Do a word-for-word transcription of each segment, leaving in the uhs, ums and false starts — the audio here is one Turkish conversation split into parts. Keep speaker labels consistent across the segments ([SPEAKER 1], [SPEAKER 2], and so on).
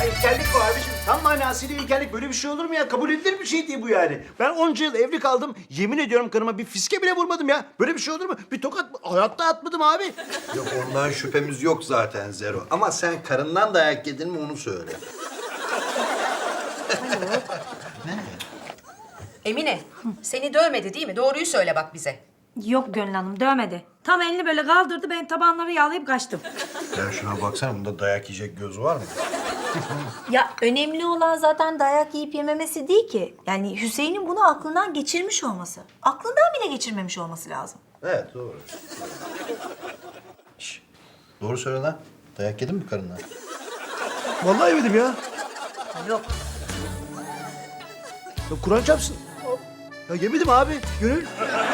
[SPEAKER 1] Ya ilkellik bu abiciğim. Tam manasıyla ilkellik. Böyle bir şey olur mu ya? Kabul edilir bir şey değil bu yani. Ben onca yıl evli kaldım. Yemin ediyorum karıma bir fiske bile vurmadım ya. Böyle bir şey olur mu? Bir tokat hayatta atmadım abi.
[SPEAKER 2] Yok ondan şüphemiz yok zaten Zero. Ama sen karından dayak yedin mi onu söyle.
[SPEAKER 3] Emine, seni dövmedi değil mi? Doğruyu söyle bak bize.
[SPEAKER 4] Yok Gönül Hanım dövmedi. Tam elini böyle kaldırdı ben tabanları yağlayıp kaçtım.
[SPEAKER 2] Ya şuna baksana bunda dayak yiyecek göz var mı?
[SPEAKER 5] Ya önemli olan zaten dayak yiyip yememesi değil ki. Yani Hüseyin'in bunu aklından geçirmiş olması. Aklından bile geçirmemiş olması lazım.
[SPEAKER 2] Evet doğru. Şş, doğru söyle lan. Dayak yedin mi karından?
[SPEAKER 1] Vallahi yemedim ya.
[SPEAKER 5] Yok.
[SPEAKER 1] Ya Kur'an çarpsın. Ya yemedim abi. Gönül.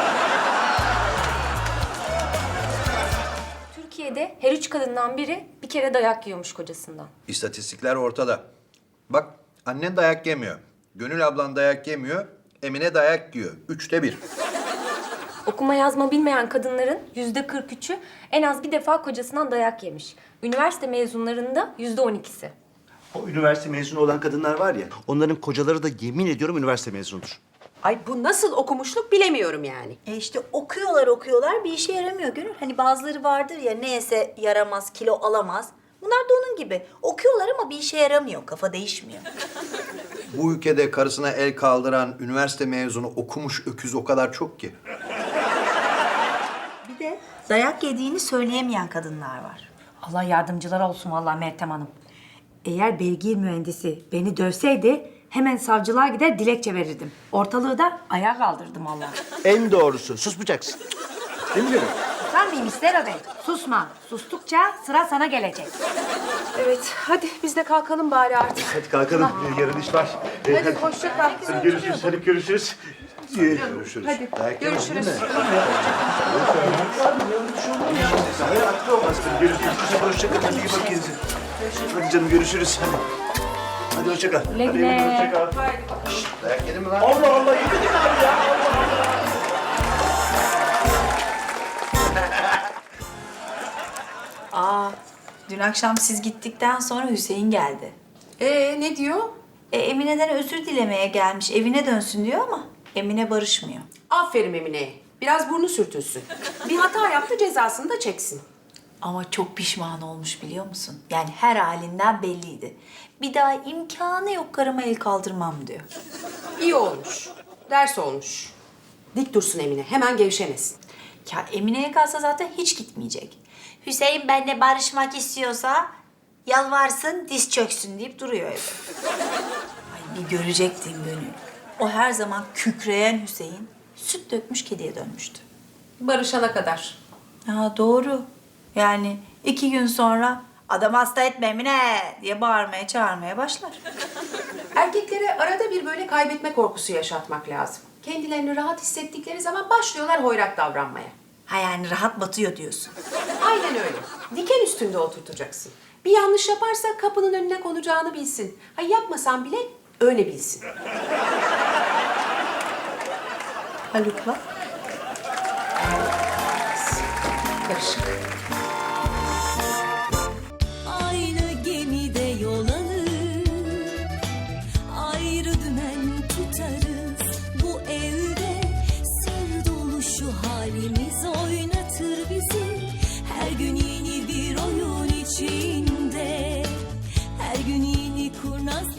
[SPEAKER 6] Türkiye'de her üç kadından biri bir kere dayak yiyormuş kocasından.
[SPEAKER 2] İstatistikler ortada. Bak annen dayak yemiyor. Gönül ablan dayak yemiyor. Emine dayak yiyor. Üçte bir.
[SPEAKER 6] Okuma yazma bilmeyen kadınların yüzde kırk üçü en az bir defa kocasından dayak yemiş. Üniversite mezunlarında yüzde on ikisi.
[SPEAKER 1] O üniversite mezunu olan kadınlar var ya, onların kocaları da yemin ediyorum üniversite mezunudur.
[SPEAKER 3] Ay bu nasıl okumuşluk bilemiyorum yani.
[SPEAKER 5] E işte okuyorlar okuyorlar bir işe yaramıyor Gönül. Hani bazıları vardır ya ne yese yaramaz, kilo alamaz. Bunlar da onun gibi. Okuyorlar ama bir işe yaramıyor. Kafa değişmiyor.
[SPEAKER 2] Bu ülkede karısına el kaldıran üniversite mezunu okumuş öküz o kadar çok ki.
[SPEAKER 5] Bir de dayak yediğini söyleyemeyen kadınlar var.
[SPEAKER 4] Allah yardımcılar olsun vallahi Meltem Hanım. Eğer beygir mühendisi beni dövseydi hemen savcılığa gider dilekçe verirdim. Ortalığı da ayağa kaldırdım Allah.
[SPEAKER 1] En doğrusu, susmayacaksın. Değil mi Gönül?
[SPEAKER 4] Susar mıyım İstero Bey? Susma. Sustukça sıra sana gelecek.
[SPEAKER 3] Evet hadi biz de kalkalım bari artık.
[SPEAKER 1] Hadi kalkalım, yarın iş var. Ee,
[SPEAKER 3] Hadi hoşça kal.
[SPEAKER 1] Hadi görüşürüz, hadi görüşürüz. Ee,
[SPEAKER 2] Görüşürüz.
[SPEAKER 3] Hadi
[SPEAKER 2] Dayak yemedin
[SPEAKER 3] görüşürüz.
[SPEAKER 2] değil mi?
[SPEAKER 1] Hayır, aklı olmaz. Hadi görüşürüz. Hadi hoşça kal, hadi iyi bak kendinize. Hadi canım, görüşürüz. Hadi. Hadi hoşça kal.
[SPEAKER 4] Güle güle.
[SPEAKER 1] Hadi hoşça kal.
[SPEAKER 2] Dayak yedin mi lan?
[SPEAKER 1] Allah Allah, yemedin abi ya. Allah Allah.
[SPEAKER 5] Aa, dün akşam siz gittikten sonra Hüseyin geldi.
[SPEAKER 3] Ee ne diyor?
[SPEAKER 5] E, Emine'den özür dilemeye gelmiş. Evine dönsün diyor ama Emine barışmıyor.
[SPEAKER 3] Aferin Emine'ye. Biraz burnu sürtülsün. Bir hata yaptı cezasını da çeksin.
[SPEAKER 5] Ama çok pişman olmuş biliyor musun? Yani her halinden belliydi. Bir daha imkanı yok karıma el kaldırmam diyor.
[SPEAKER 3] İyi olmuş. Ders olmuş. Dik dursun Emine. Hemen gevşemesin.
[SPEAKER 5] Ya Emine'ye kalsa zaten hiç gitmeyecek. Hüseyin benimle barışmak istiyorsa yalvarsın, diz çöksün deyip duruyor evde. Ay bir görecektin Gönül. O her zaman kükreyen Hüseyin süt dökmüş kediye dönmüştü.
[SPEAKER 3] Barışana kadar.
[SPEAKER 5] Ya doğru. Yani iki gün sonra adam hasta etme Emine diye bağırmaya çağırmaya başlar.
[SPEAKER 3] Erkeklere arada bir böyle kaybetme korkusu yaşatmak lazım. Kendilerini rahat hissettikleri zaman başlıyorlar hoyrat davranmaya.
[SPEAKER 5] Ha yani rahat batıyor diyorsun.
[SPEAKER 3] Aynen öyle. Diken üstünde oturtacaksın. Bir yanlış yaparsa kapının önüne konacağını bilsin. Ha yapmasan bile öyle bilsin.
[SPEAKER 5] Haluk'la.
[SPEAKER 3] Karışık.
[SPEAKER 7] Aynı gemide yol alır, ayrı dümen tutarız. Bu evde sır dolu şu halimiz oynatır bizi. Her gün yeni bir oyun içinde, her gün yeni kurnaz